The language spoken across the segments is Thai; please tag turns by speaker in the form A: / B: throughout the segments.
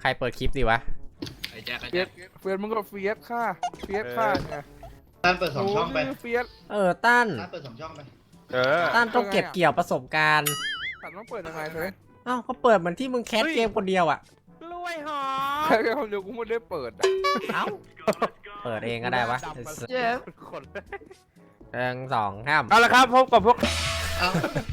A: ใครเปิดคลิปดีวะ
B: ไอ้แจ็คไอ้
C: เฟีย
B: แจ็
C: ส
B: ค
C: เฟียสมึงก็เฟียสค่ะเฟียสค่ะไง
D: ตั้นเปิด2 ช่องไป
C: เฟียส
A: ตั้น
D: ตั้นเปิด2 ช่องไป
A: ตั้นต้องเก็บเกี่ยวประสบการณ์
C: ตัดต้องเปิดยังไงเลย
A: เอ้าก็เปิดเหมือนที่มึงแคสเกมคนเดียวอ่ะ
B: กล้วยหอม
C: แค่คนเดียวกูไม่ได้เปิด
A: เอ้าเปิดเองก็ได้วะ
C: เจ๊
B: คน
A: 1 2 3
B: เอาละครับพบกับพวก
D: เอา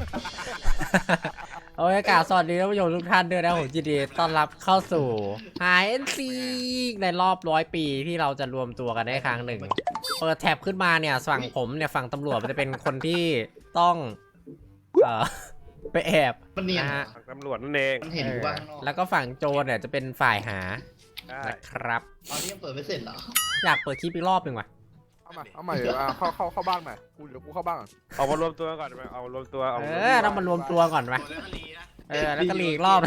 A: โอ้ยกล่าวสวัสดีท่านผู้ชมทุกท่านด้วยนะผมยินดีต้อนรับเข้าสู่ HNC ในรอบ100 ปีที่เราจะรวมตัวกันได้ครั้งหนึ่งเปิดแท็บขึ้นมาเนี่ยฝั่งผมเนี่ยฝั่งตำรวจมันจะเป็นคนที่ต้องไปแอบ
D: มันเนียน
A: นะฮะ
B: ตำรวจนั่นเอง
D: มันเห็นอยู่ว่าข้างนอก
A: แล้วก็ฝั่งโจรเนี่ยจะเป็นฝ่ายหานะครับ
D: ตอนนี้ยังเปิดไม่เสร็จเหรอ
A: อยากเปิดคลิปอีกรอบหนึ่งว่ะ
C: เอาใหม่เดี๋ยวเข้าบ้านใหม่กูเดี๋ยวกูเข้าบ้านก่อน
B: เอามารวมตัวก่อนไหมเอามารวมตัวเอา
A: ต้องมารวมตัวก่อนไหมแล้วก็หลีกรอบ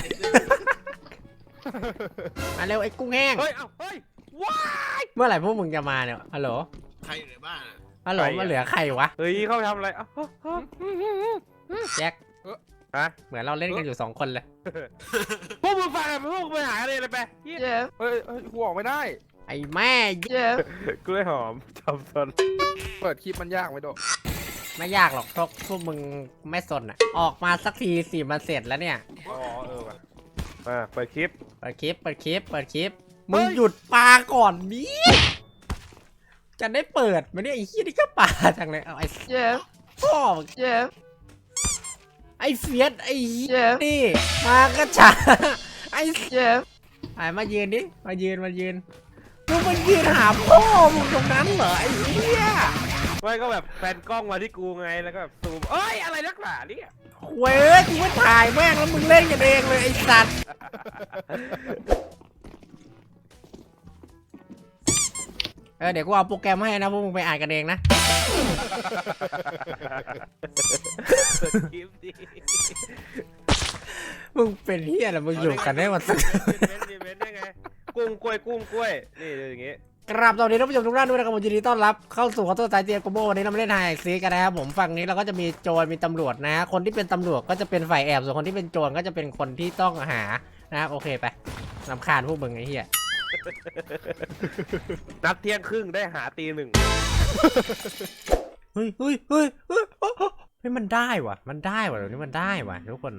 A: มาเร็วไอ้กุ้งแห้ง
B: เฮ้ยเอาเฮ้ยว้า
A: เมื่อไหร่พวกมึงจะมาเนี่ยฮัลโหล
E: ใครอยู่ในบ้านอะ
A: ฮัลโหลมาเหลือใครวะ
B: เฮ้ยเข้าไปทำอะไรเอ้า
A: แจ็ค
B: ฮะ
A: เหมือนเราเล่นกันอยู่2 คนเลย
B: พวกมึงฟังกันพวกมึงไปหาอะไรไป
C: เจ๊เฮ้ยกูออกไม่ได้
A: ไอ้แม่
C: เจ๊
B: กล้วยหอมจำซน
C: เปิดคลิปมันยากไหมโด
A: ไม่ยากหรอกพวกมึงไม่สนอ่ะออกมาสักทีสิมันเสร็จแล้วเนี่ย
B: อ๋อว่ะมาเปิดคลิป
A: เปิดคลิปมึงหยุดปาก่อนนี้จะได้เปิดไหมเนี่ยไอ้ขี้ยนี่ก็ปาจังเลยเอาไอ้
C: เจ๊
A: พ่อ
C: เจ๊
A: ไอ้เฟียสไอ้เหี้ยนี่มาก็ช้าไอ้
C: เจ๊
A: ไอ้มายืนดิมายืนมึงมายืนหาพ่อมึงตรงนั้นเหรอไอ้เหี้ย
B: ไม่ก็แบบแฟนกล้องมาที่กูไงแล้วก็แบบซูมเอ้ยอะไรนักหนาเนี่ย
A: เว้ยกูไม่ถ่ายแม่งแล้วมึงเล่นกันเองเลยไอ้สัตว์เดี๋ยวกูเอาโปรแกรมให้นะพวกมึงไปอ่านกันเองนะ
B: เปิดคลิปดิ
A: มึงเป็นเฮียอะไรมึงอยู่กันได้หมดสัก
B: เว้นได้ไงกุ้งกล้วยนี่อย่างงี้
A: กราบสวัสดีท่านผู้ชมทุกท่านด้วยนะครับผมยินดีต้อนรับเข้าสู่ขอโทษสายเตียโกโบวันนี้เรามาเล่นไฮแอ็กซีกันนะครับผมฝั่งนี้เราก็จะมีโจรมีตำรวจนะคนที่เป็นตำรวจก็จะเป็นฝ่ายแอบส่วนคนที่เป็นโจรก็จะเป็นคนที่ต้องหานะครับโอเคไปรำคาญพวกมึงไอ้เหี้ย
B: นัดเที่ยงครึ่งได้หาตี 1
A: เฮ้ยมันได้ว่ะเดี๋ยวนี้มันได้ว่ะทุกคน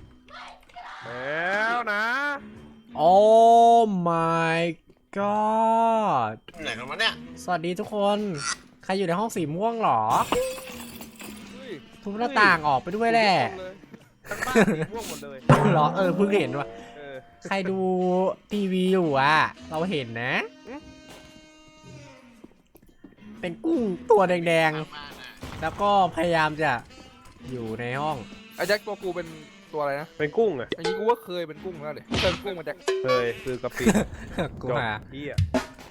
B: แล้วนะ
A: โอ้ my god
E: ไหนกันวะเนี่ย
A: สวัสดีทุกคนใครอยู่ในห้องสีม่วงหรอทุกหน้าต่างออกไปด้วยแหละ
B: ทั้งบ้านสีม่วงหมดเลย
A: หรอเพิ่งเห็นว่ะ
B: เออ
A: ใครดูทีวีอยู่อ่ะเราเห็นนะ เป็นกุ้งตัวแดง
E: บ้านอะ
A: ๆแล้วก็พยายามจะอยู่ในห้อง
C: ไอ้แจ็คตัวกูเป็นตัวอะไรนะ
B: เป็นกุ้งอ่ะ
C: อันนี้กูว่าเคยเป็นกุ้งแล้วเดี๋ยวเคยเป็นกุ้งมาแจ็ค
B: เคยคือกะปิ
A: กู
B: จบ
A: หา
B: เหี้ย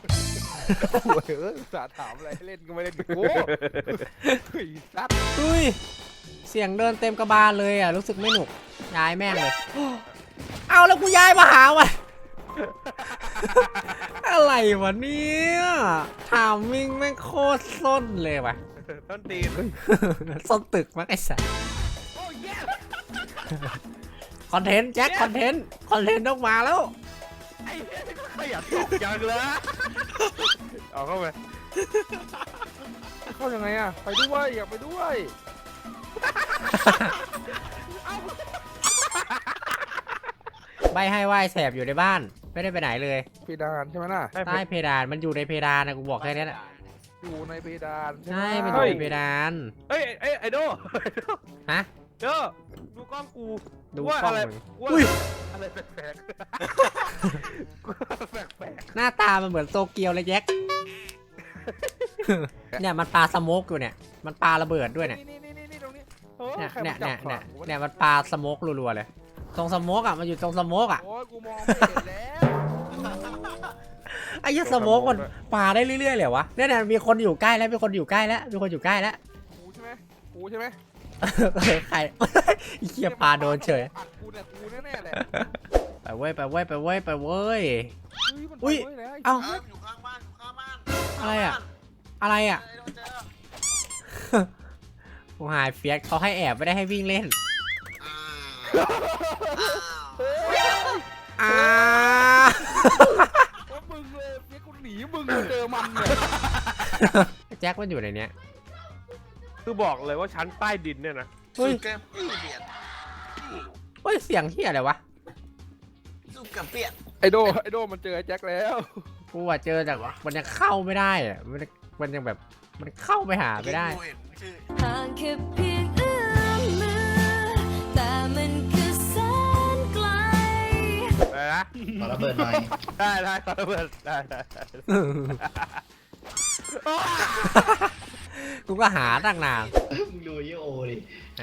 C: สาถามอะไรให้เล่นก็ไม่เล่นกูเฮ้ยซัด
A: อุ้ยเสียงเดินเต็มกระบาลเลยอ่ะรู้สึกไม่หนุกย้ายแม่งเลย เอาแล้วกูย้ายมาหาวะ อะไรวะเนี่ยถามมิ่งแม่งโคตรส้นเลยว่ะ
B: ต้นตีน
A: ส้นตึกมั้งไอ้สัสคอนเทนต์แจ็คคอนเทนต์ต้องมาแล้ว
B: ไอ้เหี้ยขยันตกยังเลยเอาเข้าไป
C: เข้ายังไงอะไปด้วยอยากไปด้วย
A: ใบให้ว่ายแสบอยู่ในบ้านไม่ได้ไปไหนเลย
C: เพดานใช่ไหมน่ะ
A: ใต้เพดานมันอยู่ในเพดานนะกูบอกแค่นี้แหละ
C: อยู่ในเพดาน
A: ใช่มันอยู่ในเพดาน
B: เอ้ยไอ้โด
A: ฮะ
B: โดดูกล้องกู
A: ดู
B: ว่าก
A: ล้อง
B: อะไร
A: มึง
B: ว่า
A: อุ้ย
B: อะไรแปลกๆแปลก
A: หน้าตามันเหมือนโตเกียวเลยแจ็ค เนี่ยมันปาสโมกอยู่เนี่ยมันปาระเบิดด้วยเนี่ย
C: นี่ตรงนี้
B: ๆโอ้
A: เนี่ย
C: ใคร
A: เนี่ย
C: มาจับ
A: เนี่ย
C: ขวางกูวะ
A: เนี่ยมันปาสโมกรัวๆเลยตรงสโมกอ่ะมันอยู่ตรงสโมกอ่ะ
C: โอ้ยกูมองไม่เห็นแล้ว
A: ไอ้ยี่สโมกมันปาได้เรื่อยๆเลยวะเนี่ยมีคนอยู่ใกล้แล้วมีคนอยู่ใกล้แล้ว
C: กูใช่ไหมกูใช่ไหม
A: ใคร ไอ้เหี้ยปาโดนเฉย
C: ปัดกูเนี่ยกูแน่ๆแหละ
A: ไปเว้ย
C: อุ้ย
A: เอ้า
E: อยู่ข้างบ้านอยู่ข้างบ้าน
A: อะไรอ่ะ อะไรอ่ะ
E: โดนเจอ
A: กูหายเฟียสเขาให้แอบไม่ได้ให้วิ่งเล่น
E: อ้าว
A: อ้า
C: ว่ามึงเลยเฟียสกูหนีมึงมาเจอมันเนี่ย
A: แจ็คมันอยู่ในเนี้ย
B: คือบอกเลยว่าชั้นใต้ดินเนี่ยนะ
A: เฮ้ย
E: สู้กับเปียก
A: เฮ้ยเสียงเฮียอะไรวะ
E: สู้กับเปียก
C: ไอโดมันเจอไอ้แจ็คแล้ว
A: กูอะเจอแต่ว่ามันยังเข้าไม่ได้อะมันยังแบบมันเข้าไปหาไม่ได้
E: เห็นชื่อ
F: ห่างแค่เพียงเอื้อมมือแต่มันคือแสนไกล
B: อะไรนะ
D: ขอระเบิดหน่อย
B: ได้ขอระเบิดได้
A: กูก็หาตั้งนาน
D: มึงดูไอโอดิ
A: ไหน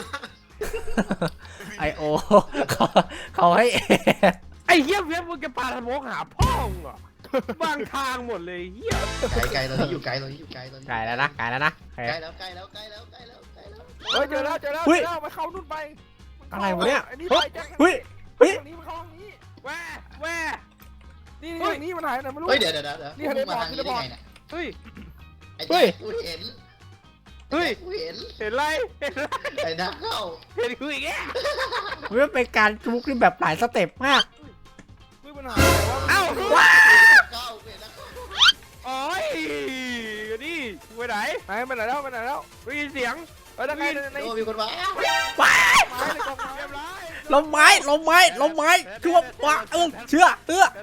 A: ไอโอเขาให้เอ
B: ไอ้เหี้ยเว็บมึงจะปาสโมกหาพ่อมึงเหรอบางทางหมดเลยเหี้ย
D: ไกลตอนนี้อยู่ไกลตอนนี้อยู่ไกลตอนนี้
A: ไกลแล้วนะไกลแล้วนะโอเค
D: ใกล้แล้วใกล้แล้วใกล้แล้วใกล้แล้วใกล้แล้ว
C: เฮ้ยเจอแล้วมาเข้านู่นไป
A: อะไรวะเนี่ย
C: ไอ้นี่ไปแจ็ค
A: เฮ้ยเฮ้ย
C: ทางนี้มันเข้าทางนี้
B: แว่
C: นี่ทางนี้มันหายไหนไม่รู้
D: เฮ้ยเดี๋ยวนี่มึงมาทางนี้ได้ไงเนี่ย
B: เฮ้ย
D: ไอ้แจ็คกูเห็น
B: เฮ้ย
D: กูเห็น
B: เห็นไร
D: ไอ้นักเข้า
B: เห็นกูอีกแก
A: มันเป็นการจุกที่แบบหลายสเต็ปมาก
C: เฮ้ยมันหายไหนวะ
B: เอ้า
A: ว้า
D: เข้าเห็นนักเข้า
B: โอ้ยนี่ไปไหน
C: ไปไหนแล้ว
B: ได้ยินเสียง
C: เฮ้ยทางไหนใน
D: โอ้มีคนมา
A: ว้า
C: ไม้ในกองไม้
B: เรียบร้อย
A: ลมไม้ช่วงว้าเชื่อ
E: เฮ้ย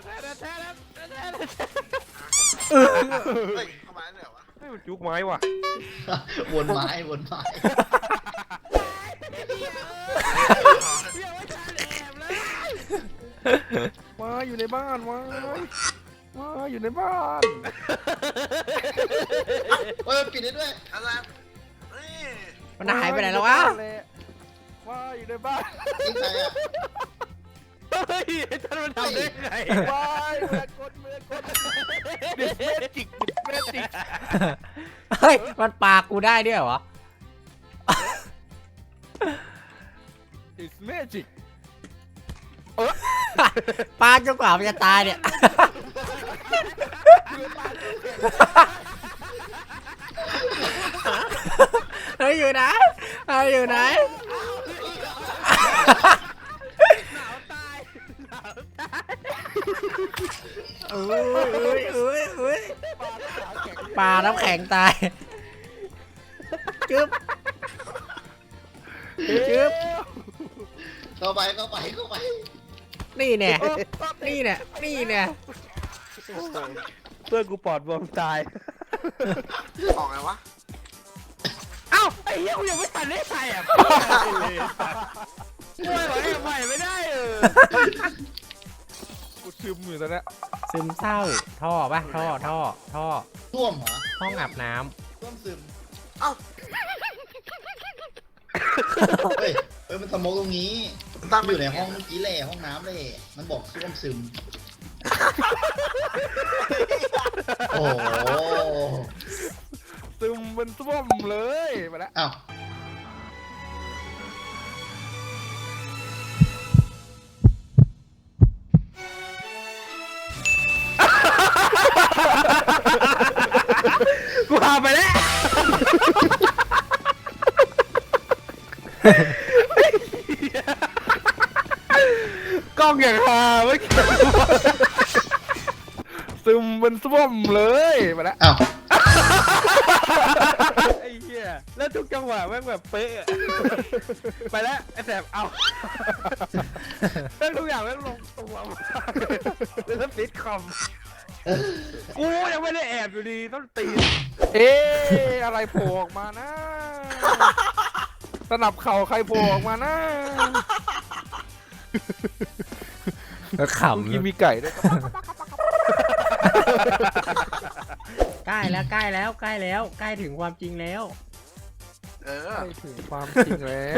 E: เข้ามาเนี่ยวะ
B: เฮ้ยมันจุกไม้ว่ะ
D: วนไม้
C: มาอยู่ในบ้านมาอยู่ในบ้าน
D: เฮ้ยปิดได้ด้วย
E: อะไรเฮ้ย
A: มันหายไปไหนแล้ววะ
C: มาอยู่ในบ้าน
D: จริงใจอ่ะ
B: เฮ้ยท่านมันทำได้ไง
C: วายเมือกดดิสเมจิก
A: เฮ้ยมันปากกูได้ด้วยเหรอ
C: ดิสเมจิก
A: ปาจนกว่ามันจะตายเนี่ย เฮ้ยอยู่ไหนอยู่ไหน อุ้ยปลาน้ำแข็งตายจึ๊บ
D: เข้าไป
A: นี่แน่นี่แน่
B: เพื่อนกูปอดบวมตาย
E: ออกไงวะ
B: เอ้าไอ้เหี้ยกูยังไม่ทันได้ใส่อ่ะช่วยหน่อยใหม่ไม่ได้
C: กูซึมอยู่ตอนนี้
A: ซึมเศร้าท่อป่ะท่อ
D: ท่วมเหรอ
A: ห้องอาบน้
D: ท่วมซึม
E: เอ้า
D: เฮ้ยมันสโมกตรงนี้
E: ตั้ง
D: อยู่ในห้องเมื่อกี้แหละห้องน้ำเลยมันบอกท่วมซึม โอ้โห
C: ซึมเป็นส้วมเลยมาแล้ว
D: อ้าว
B: กูพาไปแล้วกล้องอย่างฮาเมื่อกี้
C: ซึมเป็นส้วมเลยมาแล้ว
D: อ้าว
B: ไอ้เหี้ยแล้วทุกจังหวะแม่งแบบเป๊ะอะไปแล้วไอ้แสบเอาแล้วทุกอย่างแม่งลงตัวมากแล้วฟิตคอมกูยังไม่ได้แอบอยู่ดีต้องตีน
C: เอ๊ะอะไรโผล่ออกมานะสนับเข่าใครโผล่ออกมานะ
A: ำข
C: เมื่อกี้มีไก่ด้วย
A: ใกล้แล้วใกล้ถึงความจริงแล้ว
E: เออ
C: ไม่ถึงความจริงแล้ว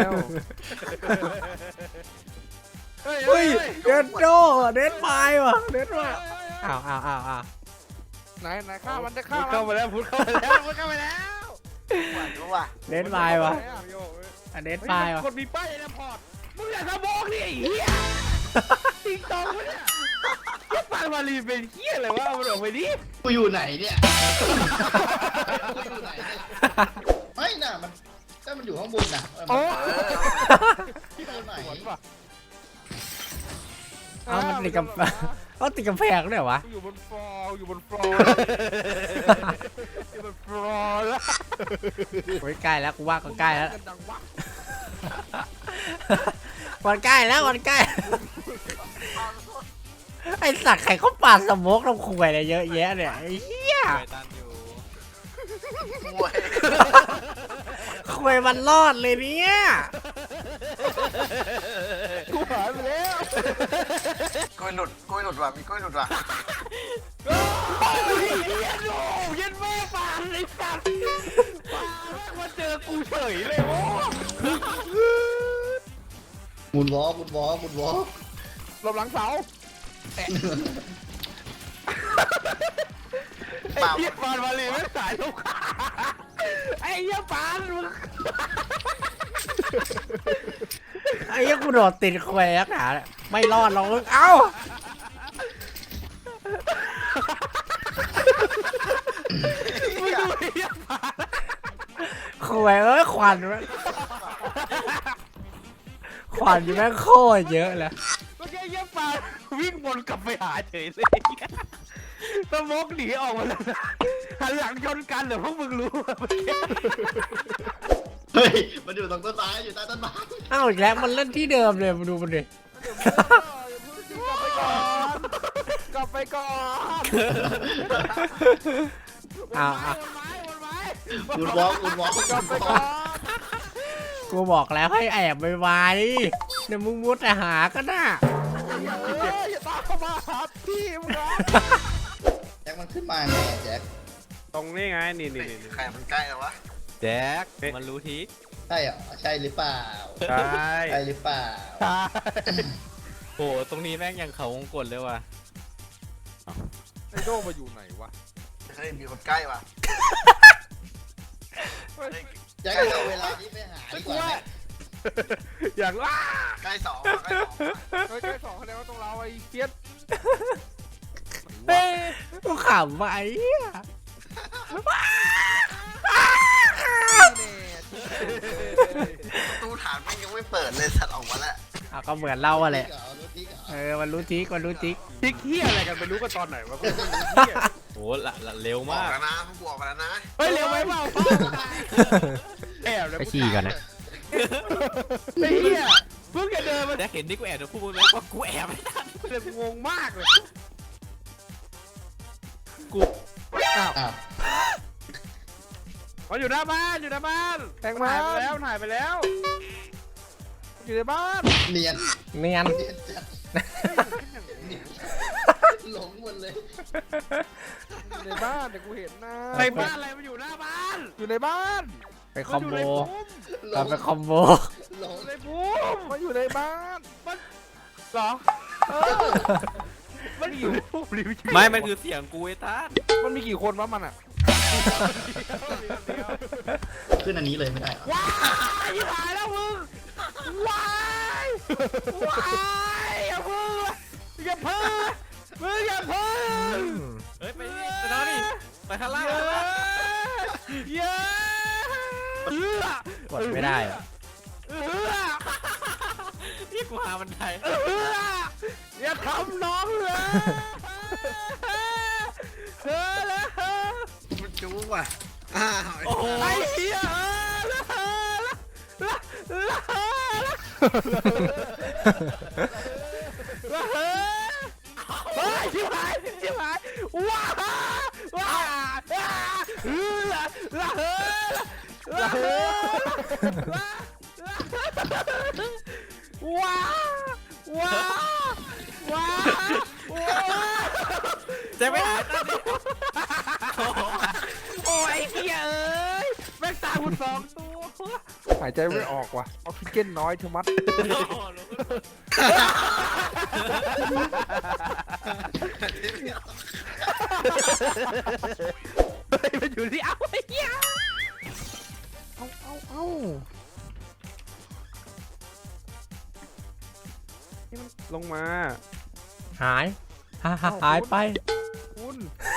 B: เฮ้ย
A: เฮ้ยเดนโดเดนไฟว่ะเดนว่ะอ้าว
C: ไหนฆ่ามันจะฆ่า
B: พูด
C: มัน
B: เข้ามาแล้วพูดเข้ามาแล้วพูดเข้ามาแล้ว
E: หวานรู้ว่ะ
A: เดนไฟว่ะเดนไฟว่ะ
B: คนมีป้ายในพอร์ตมึงอย่าสมองดิไอ้เหี้ยติ๊กตองวะเนี่ยเหี้ยปานวาลีเป็นเหี้ยอะไรวะเอามันออกไปดิ
D: กูอยู่ไหนเนี่ยกูอยู่ไหนเนี่ยไม่น่ะมันถ้ามันอยู่ข้างบนน่ะ
C: โอ้
D: ที่ตรงไหน
C: สวนป่ะ
A: เอามันติดกับเขาติดกำแพงด้วยเหรอวะ
C: อยู่บนฟลอร์อยู่บนฟลอร์อยู่บนฟลอร์แล้ว
A: โอ้ยใกล้แล้วกูว่าก็ใกล้แล้ว
C: กันดังวะ
A: วันใกล้แล้ววันใกล้ ไอสัตว์ใครเขาปาดสโมกลงคุยอะไรเยอะแยะเนี่ยไอ้เหี้ย
C: ไปตันอยู่
E: มวย
A: คุยมันรอดเลยเนี่ย
C: กูหายไปแล้ว
E: กล้วยหลุดว่ะมีกล้วยหลุดว่ะ
B: เย็นแม่ปานไอ้สัตว์ปานมาเจอกูเฉยเลยโอ้
D: หมุนวอล์ก
C: หลบหลังเสา
B: ไอ้เหี้ยปานมาเลยไม่สายลูกค้าไอ้เหี้ยปานมึง
A: ไอ้เหี้ยกูโดดติดคุยนักหนาเนี่ยไม่รอดหรอกมึงเอ้า
B: มึงดูไอ้เหี้ยปาน
A: คุยเอ้ยควันแม่งควันอยู่แม่งโคตรเยอะเลย
B: เมื่อกี้ไอ้เหี้ยปานวิ่งวนกลับไปหาเฉยเลยสโมกหนีออกมาแล้วนะหันหลังชนกันเหรอพวกมึงรู้อะเมื่อกี้
D: เฮ้ย มันอยู่ตรงต้นไม้อยู่ใต้ต้นไม้
A: เอ้าอีกแล้วมันเล่นที่เดิมเลยมาดูมันดิ
C: กลับไปก่อน
A: อ้าว
B: วนไม้
D: หมุนวอล์ก
C: กลับไปก่อน
A: กูบอกแล้วให้แอบไวๆเดี๋ยวมึงมุดแต่หาก็น่ะ
C: อย่าตามเข้ามาหาพี่มึงนะ
D: แจ็คมันขึ้นมาไงแจ็ค
B: ตรงนี้ไงนี่
E: ใครมันใกล้แล้ววะ
B: แจ็คมันรู้ที
D: ใช่เหรอใช่หรือเปล่า
B: ใช่
D: ใช่หรือเปล่า
B: โอ้ตรงนี้แม่งยังเขาวงกดเลยว่ะ
C: ไอโดมาอยู่ไหนวะ
E: เฮ้ยมีคนใกล้ว่ะ
D: แจ็คเอาเวลานี้ไปหาดีกว่าไหม
B: อย่างว่า
E: ใกล้สองว่ะใกล้สองว่ะ
C: เฮ้ยใกล้สองคะแนนว่าตรงเราไอ้เฟียส
A: เฮ้ยกูขำไปอ่ะ
E: ประตูฐานมันยังไม่เปิดเลยสัตว์ออกมาแล้ว
A: เอาก็เหมือนเราอะแหละ
D: รู้ทิกเหรอ
A: เออมันรู้ทิกมันรู้ทิก
B: ทิกเฮียอะไรกันไปรู้กันตอนไหนวะกูโอ้ละเร็ว
E: ออ
B: มาก ก
E: แล้วนะพวกกูออกมาแล้วนะ
B: เฮ้ยเร็วไปเปล่าแอบเลย
A: ไปฉี่ก่อนนะ
B: ไอ้เฮียเพิ่งจะเดินมา
G: แต่เห็นที่กูแอบเดี๋ยวพูดไหมว่ากูแอบไม่ได้
B: เลยงงมากเลย
D: อ้าว
B: มันอยู่หน้าบ้าน
C: แทงมา
B: หายไปแล้ว
C: อยู่ในบ้าน
D: เนียน
A: เนียน
D: จัดหลงหมดเลย
C: อยู่ในบ้านเดี๋ยวกูเห็นนะ
B: ในบ้านอะไรมันอยู่หน้าบ้าน
C: อยู่ในบ้าน
A: ไปคอมโบ
D: หล
A: เรา
D: ง
A: ไปคอมโบ
D: หลง
B: ในบูม
C: มันอยู่ในบ้าน
B: เหรอมันอยู่
G: ไม่มันคือเสียงกูไอ้ท่าน
C: มันมีกี่คนวะมันอ่ะ
D: ขึ้นอันนี้เลยไม่ได้เหรอ
B: ว้ายหายแล้วมึงว้ายอย่าพึ่งอย่าพึ่งมึงอย่าพึ่ง
G: เฮ้ยไปนอนดิไปข้างล่าง
B: เย้เอื้อก
A: ดไม่ได้อะ
B: เอื้อ
G: นี่กูหาบันได
B: เอื้ออย่าทำน้องเลยเฮ้ยแล้ว
E: มันจู๊ว่ะอ้าว
G: โอ้โห
B: ไอ้เหี้ยเฮ้ยชิบหายว้าว้าเฮ้ยว้าว้าว้า
G: จะไม่หายตอนนี้
B: โอ้ยเหี้ยเอ้ยแม่งตามกูสองตัว
C: หายใจไม่ออกว่ะออกซิเจนน้อยเทมัด
B: เฮ้ยมันอยู่ที่เอ้าไอ้เหี้ย
C: เอ้า
B: ลงมา
A: หายหายไป
C: คุณ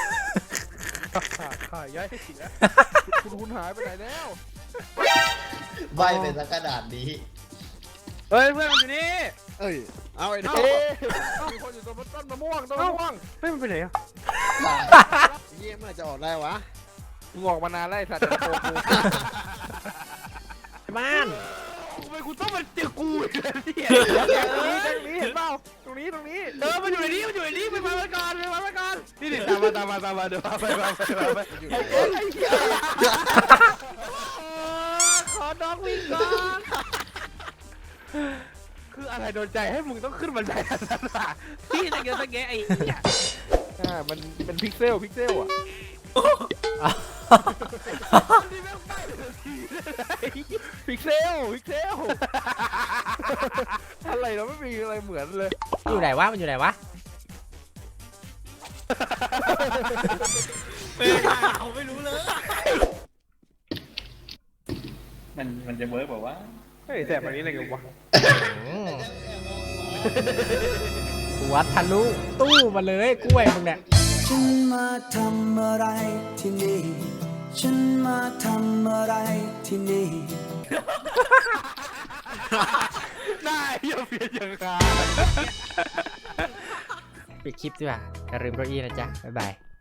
C: ขายย้ายให้เสียคุณหายไปไหนแล้ว
D: ใบเป็นสักกระดาษนี้
B: เฮ้ยเพื่อนมันอยู่นี่
C: เอ้ยเอาไอ้เด้มีคนอยู่ตรงต้นมะม่วงต้นมะม่วง
B: เฮ้ยมันไปไหนอ่ะ
C: เยี่ยมเมื่อจะออกได้วะมึงออกมานานแล้วไอ้สัตว์จะโกกู
A: บ้าน
B: ทำไมกูต้องมาเจอกูอีกแล้วเนี่ย
C: ตรงนี้เห็นเปล่าตรงนี้
B: มันอยู่ในนี้ไปมาก่อนนี่ตามมาเดี๋ยวไปขอน้องวิ่งก่อนคืออะไรโดนใจให้มึงต้องขึ้นบันไดอันนั้นอ่ะพี่ตะเกียบตะแกไอ้เนี่ย
C: มันเป็นพิกเซลอ่ะ
B: นี่แม่งใกล้เลยที
C: พิกเซลอะไรเราไม่มีอะไรเหมือนเลย
A: อยู่ไหนวะมันอยู่ไหนวะ
G: เขาไม่รู้เลย
E: มันจะเวิร์กแบบว่า
C: เฮ้ยแสบแบบนี้อะไรกันวะ
A: วัดทะลุตู้มาเลยกล้วยมึงเนี่ย
H: ฉันมาทำอะไรที่นี่ ฉันมาทำอะไรที่นี่
B: ได้อย่าเปลี่ยนอย่างไร
A: ปิดคลิปดีกว่าอย่าลืมเก้าอี้นะจ๊ะบ๊ายบาย